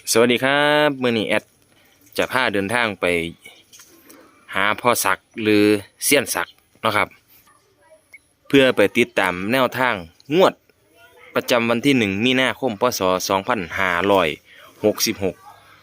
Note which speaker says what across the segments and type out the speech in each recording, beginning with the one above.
Speaker 1: สวัสดีครับมื้อนี้แอดจะพาเดินทางไปหาพ่อศักดิ์หรือเซียนศักดิ์เนาะครับเพื่อไปติดตามแนวทางงวดประจำวันที่1มีนาคมพศ2566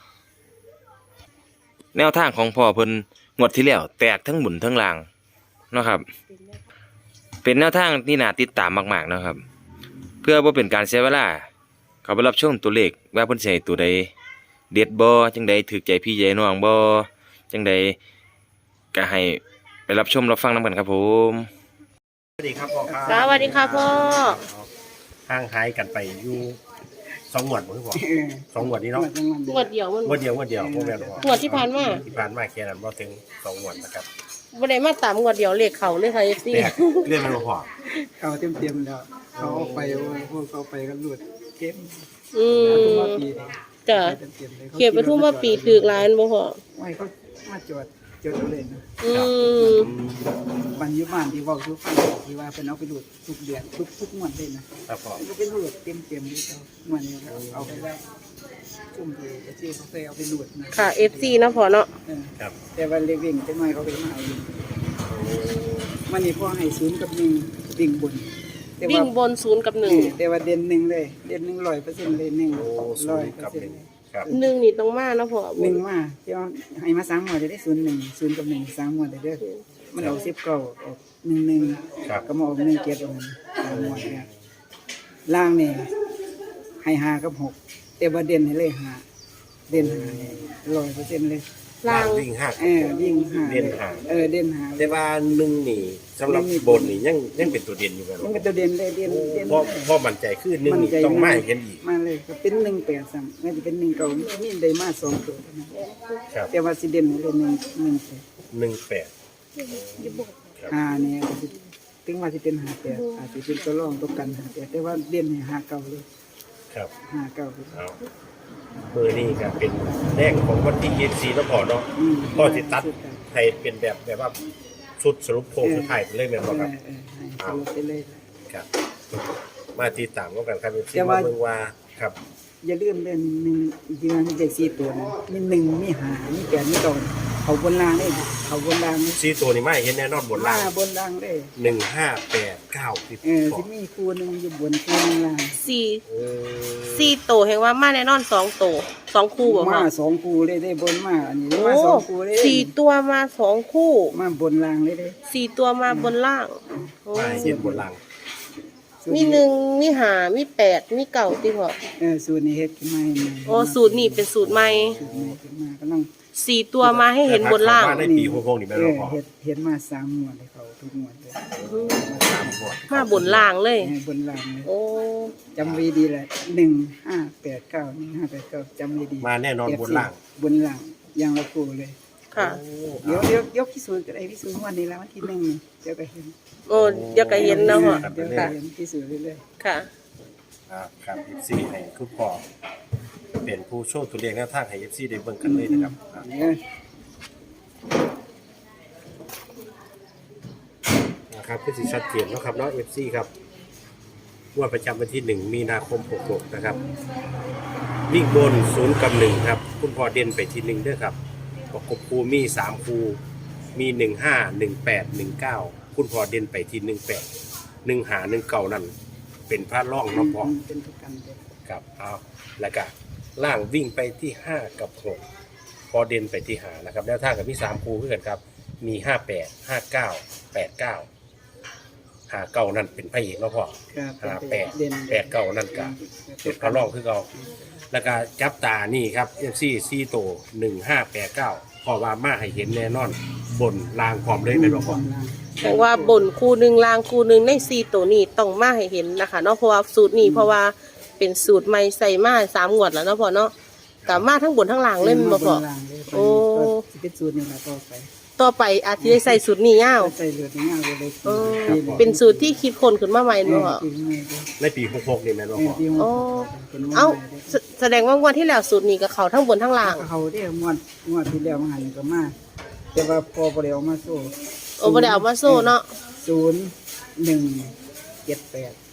Speaker 1: แนวทางของพ่อเพิ่นงวดที่แล้วแตกทั้งบุญทั้งลางเนาะครับเป็นแนวทางที่น่าติดตามมากๆนะครับเพื่อบ่เป็นการเสียเวลาเขาไปรับชมตัวเลขว่าเพิ่นสิให้ตัวใดเด็ดบ่จังใดถูกใจพี่ใจน้องบ่จังใดก็ให้ไปรับชมรับฟังนำกันครับผม
Speaker 2: สวัสดีครับพ่อครับ
Speaker 3: สวัสดีค่ะพ่อ
Speaker 2: ห่างหายกันไปอยู่2 งวดบ่คือพ่อ2 งวดนี้เนาะ
Speaker 3: งวดเดียวมัน
Speaker 2: งวดเดียวบ่แม่นพ่อง
Speaker 3: วดที่ผ่านมา
Speaker 2: ที่ผ่านมาแค่นั้นบ่ถึง2 งวดนะครับ
Speaker 3: บ่ได้มาตามงวดเดียวเลขเขาเลยค่ะ FC
Speaker 2: แต่เรื่องมันบ่พอ
Speaker 4: เขาเต็มแล้วเขาเอาไปพวกเขาไปกันหลุดเก็บ
Speaker 3: อืม
Speaker 4: มาปีนี้
Speaker 3: จ้ะ
Speaker 4: เต็มเลย
Speaker 3: เขียนไปทุ่มว่าปีถูกหลายอันบ่พ่อ
Speaker 4: ไม่เขามาจดเอาเลยนะ
Speaker 3: อืม
Speaker 4: วันยุบานที่บอกทุกคนที่ว่าเป็นเอาไปหลุดทุกเดือนทุกงวดเลยนะครับ
Speaker 2: พ่อ
Speaker 4: มันก็เป็นหลุดเต็มเลยเขางวดนี้เอาไปไว้ชุ่มที่ที่เขาเคยเอาไปหลุดนะ
Speaker 3: ค่ะ FC นะพ่อเนาะ
Speaker 2: ครับ
Speaker 4: แต่ว่าเล็กวิ่งจะน้อยเขาไปมาเอาอยู่มันนี่พ่อให้ศูนย์กับหนึ่งวิ่งบนแต่
Speaker 3: วิ่
Speaker 4: ว่า
Speaker 3: งบน0 กับ
Speaker 4: แต่ว่าเด่นหนึ่งเลยเด่น100%เลย100%
Speaker 2: โอ้0กับ1ครับ
Speaker 3: 1 1นี่ต้องมานะพ่อ
Speaker 4: หนึ่งมาเดี๋ยวให้มา3 หมวดจะได้0 กับ1 3 หมวดได้เด้อมันเอา10 เก้าออก1
Speaker 2: ครับ
Speaker 4: ก็มาออก1 7ออก3 หมวดเนี่ยล่างนี่ให้5 กับ 6แต่ว่าเด่นให้เลย5เด่น5 100%เลย
Speaker 3: ล่าง
Speaker 2: วิ่งห้า
Speaker 4: วิ่ง5
Speaker 2: เด่นห้า
Speaker 4: เด่น5
Speaker 2: แต่ว่า1นี่สำหรับบนนี่ยังเป็นตัวเด่นอยู่แม่น
Speaker 4: มัน
Speaker 2: บ่
Speaker 4: ก็ตัวเด่นเลยเด่น
Speaker 2: พ่อมั่นใจคือ1นี่ต้องมาให้เห็นอีก
Speaker 4: มาเลยก็เป็น1 8 3มันจะเป็น1 เก้ามีได้มา2ตัวเท่านั้น
Speaker 2: ครับ
Speaker 4: แต่ว่าสิเด่นให้เลย1
Speaker 2: 18
Speaker 4: เนี่ยถึงว่าสิเป็น58อาจจะเป็นตัวรองตัวกัน58แต่ว่าเด่นให้5 เก้าเลย
Speaker 2: ครับ
Speaker 4: 5 เก้า
Speaker 2: เอามือนี่ก็เป็นแรกของวันที่24แล้วพอเนาะพ่อสิตัดให้เป็นแบบว่าชุดสรุปโครงสุดท้ายไปเลยแม่นบ่ครับ
Speaker 4: ให้สรุปไปเลย
Speaker 2: ครับ มาติดตามกันครับ
Speaker 4: แต่ว่า
Speaker 2: มาเบิ่งว่าครับ
Speaker 4: อย่าลืมเล่น1ที่ว่ามีเลข4ตัวนะมี1มี5มี8มี9เขาบนล่างได้เขาบนล่างนี่
Speaker 2: 4ตัวนี่มาเห็นแน่นอนบนล่าง
Speaker 4: บนล่างได้
Speaker 2: 1589ที่
Speaker 4: สิมีคู่หนึงอยู่บนคู่หนึงล่าง
Speaker 3: 4โตแห่งว่ามาแน่นอน2โต2คู่บ่พ่อ
Speaker 4: มา2คู่เลยได้บนมาอันนี้
Speaker 3: โอ้
Speaker 4: มา2คู่เลย
Speaker 3: 4ตัวมา2คู่
Speaker 4: มาบนล่างเลยเด้
Speaker 3: 4ตัวมาบนล่างโอ้
Speaker 2: มาเห็นบนล่าง
Speaker 3: มี1มี5มี8มี9ติพ่อ
Speaker 4: สูตรนี้เฮ็ดขึ้นมาให้ใหม่
Speaker 3: โอ้สูตรนี้เป็นสูตรใหม่
Speaker 4: สูตรใหม่ขึ้นมาก็ต้อง
Speaker 3: 4ตัวมาให้เห็นบนล่าง
Speaker 2: มาได้ปี66นี่แม่นบ่พอ
Speaker 4: เฮ็ดมา3 หมวดให้เขาทุกหมวดเลย
Speaker 2: 3งวด
Speaker 3: มาบนล่างเลย
Speaker 4: บนล่างเลย
Speaker 3: โอ้
Speaker 4: จำไว้ดีแหละ1589จำไว้ดี
Speaker 2: มาแน่นอนบนล่าง
Speaker 4: บนล่างอย่างละคู่เลย
Speaker 3: ค่ะ
Speaker 4: เดี๋ยวยกพิสูจน์ก็ได้พิสูจน์วันนี้แล้ววันที่1นี่เดี๋ยวก็เห็น
Speaker 3: โอ้เดี๋ยวก็เห็นแล้วพ่อ
Speaker 4: เดี๋ยวก็
Speaker 3: ค่ะ
Speaker 4: เห็นพิสูจน์เรื่อย
Speaker 3: ค่ะ
Speaker 2: ครับ FC ให้คุณพ่อเป็นผู้โชว์ตัวเลขแนวทางให้ FC ได้เบิ่งกันเลยนะครับ
Speaker 4: ๆเนี่ย
Speaker 2: นะครับคือสิชัดเจนเนาะครับเนาะ FC ครับงวดประจำวันที่1มีนาคม66นะครับวิ่งบน0กับ1ครับคุณพ่อเด่นไปที่1ด้วยครับประกบคู่มี3คู่มี15 18 19คุณพ่อเด่นไปที่18 15 19นั่นเป็นพระร่องเนาะพ่อ
Speaker 4: เป็นประกันเลย
Speaker 2: ครับเอาแล้วก็ล่างวิ่งไปที่5กับ6พอเด่นไปที่5นะครับแล้วทางกับมี3คู่คือกันครับมี58 59 89 59นั่นเป็นพระเอกเนาะพ่อ
Speaker 4: ครับ
Speaker 2: 58
Speaker 4: เด่น
Speaker 2: 89นั่นก็เป็นพระร่องคือเก่าแล้วก็จับตานี่ครับ FC 4โต1589พอว่ามาให้เห็นแน่นอนบนรางพร้อมเลยแม่นบ่พ่อ
Speaker 3: แปลว่าบนคู่หนึ่งล่างคู่หนึ่งใน4ตัวนี้ต้องมาให้เห็นนะคะเนาะเพราะว่าสูตรนี้เพราะว่าเป็นสูตรใหม่ใส่มา3 งวดแล้วเนาะพ่อเนาะกับมาทั้งบนทั้งล่างเล่นบ่พ่อ โอ้
Speaker 4: สิเป็นสูตรนี่ล่ะต่อไป
Speaker 3: ต่อไปอาจจะได้ใส่สูตรนี้ยาว
Speaker 4: ใส่เลือดง่ายเลย
Speaker 3: เออเป็นสูตรที่คิดคนขึ้นมาใหม่เนาะ
Speaker 2: ในปี66นี่แม่นบ่พ่อ
Speaker 3: โอ้เอ้าแสดงว่างวดที่แล้วสูตรนี้กับเขาทั้งบนทั้งล่าง
Speaker 4: เขาได้งวดที่แล้วมาหันก็มาแต่ว่าพอบ่ได้เอามาโซ่
Speaker 3: โอ้บ่ได้เอามาโซ่เนาะ
Speaker 4: 0178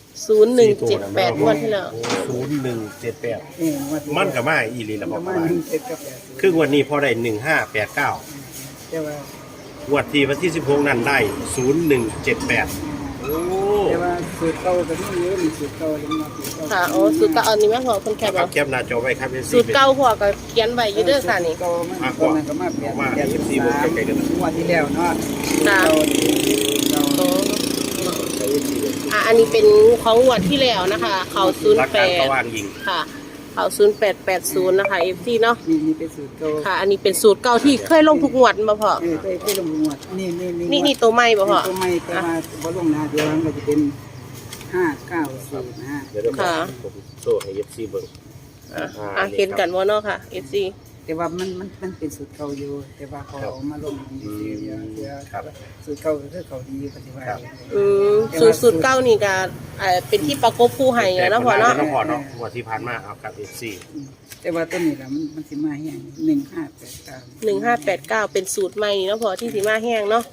Speaker 3: 0178งวดที่แล้ว
Speaker 2: 0178
Speaker 4: งวดที่
Speaker 2: มันก็มาอีหลีละ
Speaker 4: ป
Speaker 2: พ่อ
Speaker 4: ระ
Speaker 2: ป
Speaker 4: มา
Speaker 2: ระ
Speaker 4: ณ
Speaker 2: มาณ
Speaker 4: 17กับ80
Speaker 2: คืองวดนี้พอได้1589
Speaker 4: แต่ว่า
Speaker 2: งวดที่วันที่16นั่นได้0178โอ้
Speaker 4: แต่ว่าสูตรเก่าก็มีอยู่นี่สูตรเก่ายังมาสูตรเก่า
Speaker 3: ค่ะโอ้สูตรเก่าอันนี้แม่พอคนแคบ
Speaker 2: ครั
Speaker 3: เอา
Speaker 2: บแคปหน้าจอไว้ครับ FC
Speaker 3: สูตรเก่าพอก็เขียนไว้อยู่เด้อค่ะนี่
Speaker 4: สูตรเก่ามันตอนนั้นก็มาเปลี่ยน
Speaker 2: มา
Speaker 4: เปลี่ยน
Speaker 2: FC เบิ่งใกล้ๆกันนะ
Speaker 4: งวดที่แล้วเนาะ
Speaker 3: ค่ะ
Speaker 4: เก่าเก่า
Speaker 3: โอ้
Speaker 2: ใช้ FC เบิ่ง
Speaker 3: อันนี้เป็นของงวดที่แล้วนะคะ เขา
Speaker 2: หลักการตะ
Speaker 3: 08
Speaker 2: วันยิง
Speaker 3: ค่ะ เขา0880นะคะ FC เนาะ
Speaker 4: นี่เป็นสูตรเก่า
Speaker 3: ค่ะ อันนี้เป็นสูตรเก่าที่เคยลงทุกงวดมาพอ
Speaker 4: เคยลงงวดนี่
Speaker 3: นี่ตัวใหม่บ่พอ
Speaker 4: ตัวใหม่แต่ว่าบ่ลงหน้าเดียวมันก็จะเป็น590นะ
Speaker 2: เดี๋ยวเรา
Speaker 3: ค่ะ
Speaker 2: ผมโซ่ให้ FC เบิ่ง
Speaker 3: เห็นกันบ่เนาะค่ะ FC
Speaker 4: แต่ว่ามันเป็นสูตรเก่าอยู่แต่ว่าเขาเอามาลงดีเดียว
Speaker 2: ครับ
Speaker 4: สูตรเก่าก็คือเขาดีปฏิบัติ
Speaker 2: ครับ
Speaker 3: สูตรเก่านี่ก็เป็นที่ประกบผู้ให้อะเนาะพอเนาะ
Speaker 2: แต่พอเนาะงวดที่ผ่านมาเอากับ FC
Speaker 4: แต่ว่าตัวนี้ล่ะมันสิมาแห้ง1589
Speaker 3: เป็นสูตรใหม่นี่เนาะพอที่สิมาแห้งเนาะ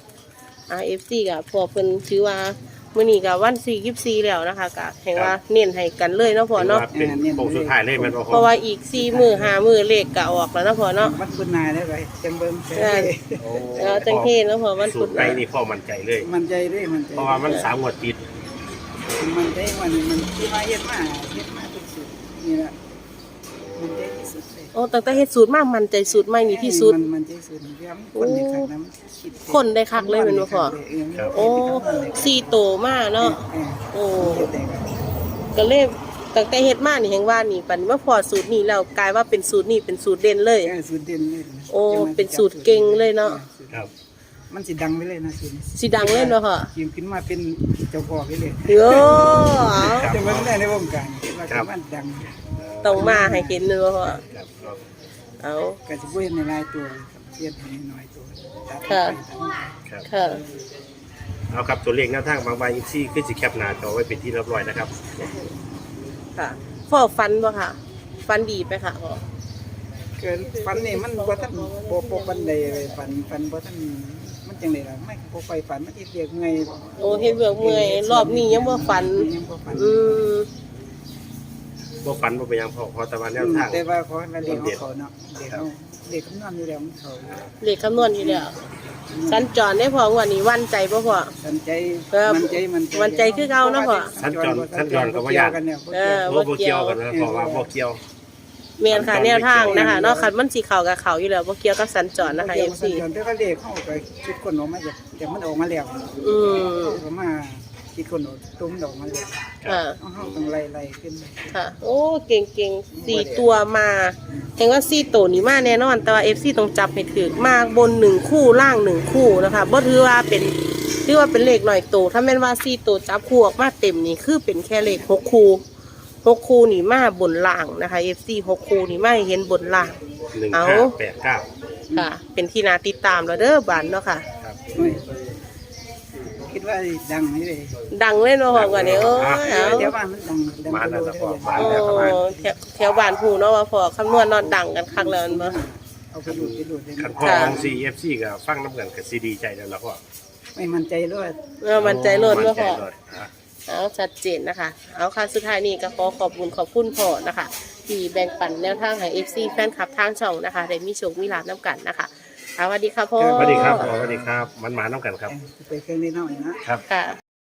Speaker 3: FC ก็พอเพิ่นถือว่ามื้อนี้ก็วัน24แล้วนะคะก็แห่งว่าเน้นให้กันเลยเนาะพอเนาะ
Speaker 2: เป็นโค้งสุดท้ายเลยแม่นบ่
Speaker 3: เพราะว่าอีก4มื้อ5มื้อเลขก็ออกแล้วเนาะพอเนาะ
Speaker 4: วัดคุณนายได้ไปจังเบิ่ง
Speaker 2: โอ้
Speaker 3: จังเทศแล้วพอวัน
Speaker 2: สู
Speaker 3: พุ
Speaker 2: ต
Speaker 3: ธ
Speaker 2: รไปนี่พ่อมั่นใจเลย
Speaker 4: มันใจด้วยมันใจ
Speaker 2: เพราะว่ามัน3งวดติด
Speaker 4: มันใจมันที่มาเฮ็ดมาทุกสุดนี่ล่ะมันใจที่สุดเลย
Speaker 3: โอ้ตั้งแต่เฮ็ดสูตรมามันใจสูตรใหม่นี่ที่สุด
Speaker 4: มันใจสุดเยี่ยมคนในขันน้ำคิด
Speaker 3: คนได้คักเลยแม่นบ่พอโอ้4โตมาเนาะโอ้ก็เลยตั้งแต่เฮ็ดมานี่แห่งว่านี่ปันว่าพอสูตรนี้แล้วกลายว่าเป็นสูตรนี้เป็นสูตรเด่นเลย
Speaker 4: สูตรเด่นเลย
Speaker 3: โอ้เป็นสูตรเก่งเลยเนาะ
Speaker 2: ครับ
Speaker 4: มันสิดังไปเลยนะสูตรนี้
Speaker 3: สิดังเลยเนาะค่ะ
Speaker 4: ทีมขึ้นมาเป็นเจ้าพ่อไปเลย
Speaker 3: โอ้เอา
Speaker 4: จะมันได้ในวงการว่ามันดัง
Speaker 3: ต้องมาให้เห็นเลยว่าพ่อ
Speaker 2: ครับ
Speaker 3: เอา
Speaker 4: ก็จะเว้นในรายตัวเทียบให้น้อยตัว
Speaker 2: ครับ
Speaker 3: ค่ะ
Speaker 2: เอาครับตัวเลขแนวทางบางใบอีซี่ขึ้นสิแคปหน้าจอไว้เป็นที่เรียบร้อยนะครับ
Speaker 3: ค่ะพ่อฟันบ่ค่ะ ฟันดีไปค่ะพ่อ
Speaker 4: เกินฟันนี่มันบ่ทันบ่ปันใดเลยฟันบ่ทันมันจังได๋ล่ะไม่บ่ค่อยฝันมันสิเรียกเงย
Speaker 3: โอ้เฮ็ดเบือกเมื่อยรอบนี้ยังบ่ฟัน
Speaker 4: ยังบ่ฝัน
Speaker 3: อืม
Speaker 2: บ่ฝันบ่เป็นหยังพอแต่ว่าแนวทาง
Speaker 4: แต่ว่าขอให้มาเรียกเขาเนาะเรียกเขาเรียกคำนวณอยู่แล้วมันเขา
Speaker 3: เลขคำนวณอยู่แล้วสัญจรได้พอวันนี้วันใจบ่พ่อ
Speaker 4: สันใจ
Speaker 3: มันใจคือเก่าเนาะพ่อ
Speaker 2: สั้นจอนก็บ่ยาก บ่เกี่ยวกันนะเพราะว่าบ่เกี่ยว
Speaker 3: เมียนค่ะแนวทางนะคะเนาะคันมันสิเข้ากับเขาอยู่แล้วบ่เกี่ยวกับสัญจรนะคะ FC
Speaker 4: สันจรแต่ก็เรียกเขาไปคิดคนออกมาจากมันออกมาแล้ว
Speaker 3: อืม
Speaker 4: เขามาคิดคนออกตุ้มออกมาแล้ว
Speaker 3: ค่ะ
Speaker 4: เขาต้องไล่ขึ้น
Speaker 3: ค่ะ โอ้เก่ง4ตัวมาเห็นว่า4ตัวนี้มาแน่นอน แต่ว่า FC ต้องจับให้ถูกมาบน1คู่ล่าง1คู่นะคะบ่ถือว่าเป็นเลขหน่อยโตถ้าแม่นว่า4ตัวจับคู่ออกมาเต็มนี่คือเป็นแค่เลข6คู่6คู่นี่มาบนล่างนะคะ FC 6คู่นี่มาให้เห็นบนล่าง
Speaker 2: 1589
Speaker 3: ค่ะ เป็นที่น่าติดตามแล้วเด้อบันเนาะค่ะ
Speaker 2: ครับ
Speaker 4: คิดว่าดังไหมเลย
Speaker 3: ดังเลยเนาะพ่อก่อนนี้โอ้ยเอา
Speaker 4: เดี๋ยวบ้านมันดัง
Speaker 2: มาแล้วพอมา
Speaker 3: โอ้
Speaker 2: แล้วครับ
Speaker 3: แถวบ้านผู้เนาะว่าพ่อคำนวณเนอนดังกันคักแล้วแม่นบ่
Speaker 4: เอาไปดูเลย
Speaker 2: คันพ่อของ CFC ก็ฟังน้ำกันก็สิดีใจแล้วล่ะพ่อ
Speaker 4: ไม่มั่นใจเลย
Speaker 3: มันใจโลดเนาะพ่อ
Speaker 2: มั่นใจโลดอ่ะ
Speaker 3: เอาชัดเจนนะคะ เอาค่ะสุดท้ายนี้ก็ขอขอบคุณพ่อนะคะ ที่แบ่งปันแนวทางให้ FC แฟนคลับทางช่องนะคะได้มีโชคมีลาภน้ำกันนะคะสวัสดีค่ะพ่อ
Speaker 2: สวัสดีครับพ่อสวัสดีครับมันมาน้ำกันครับ
Speaker 4: ไปเครื่องนี้หน่อยนะ
Speaker 2: ครับ
Speaker 3: ค่ะ